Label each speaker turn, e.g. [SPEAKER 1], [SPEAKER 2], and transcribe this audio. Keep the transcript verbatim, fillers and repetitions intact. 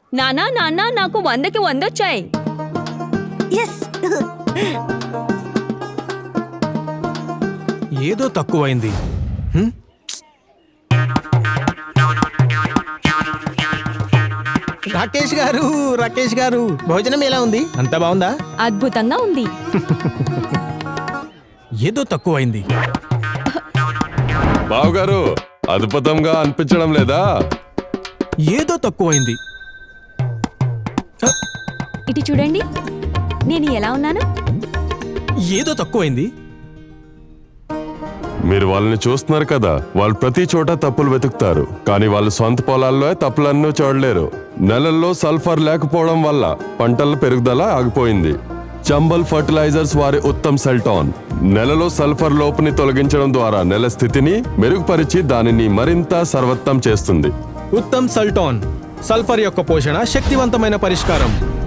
[SPEAKER 1] నానా నాన్న నాకు వందకి వందొచ్చాయి.
[SPEAKER 2] ఏదో తక్కువైంది. హ్మ్?
[SPEAKER 3] రాకేష్ గారు రాకేష్ గారు భోజనం ఎలా ఉంది? అంతా బాగుందా?
[SPEAKER 1] అద్భుతంగా ఉంది.
[SPEAKER 2] ఏదో తక్కువైంది.
[SPEAKER 4] బావగారు అద్భుతంగా అనిపించడం లేదా?
[SPEAKER 2] ఏదో తక్కువైంది.
[SPEAKER 1] ఇటు చూడండి, నేను ఎలా ఉన్నాను?
[SPEAKER 2] ఏదో తక్కువైంది.
[SPEAKER 4] మీరు వాళ్ళని చూస్తున్నారు కదా, వాళ్ళు ప్రతి చోట తప్పులు వెతుకుతారు, కానీ వాళ్ళు సొంత పొలాల్లో తప్పులన్నీ చూడలేరు. నెలల్లో సల్ఫర్ లేకపోవడం వల్ల పంటల పెరుగుదల ఆగిపోయింది. చంబల్ ఫర్టిలైజర్స్ వారి ఉత్తమ్ సెల్టాన్ నెలలో సల్ఫర్ లోపుని తొలగించడం ద్వారా నెల స్థితిని మెరుగుపరిచి దానిని మరింత సర్వోత్తం చేస్తుంది.
[SPEAKER 2] ఉత్తమ్ సల్టాన్, సల్ఫర్ యొక్క పోషణ శక్తివంతమైన పరిష్కారం.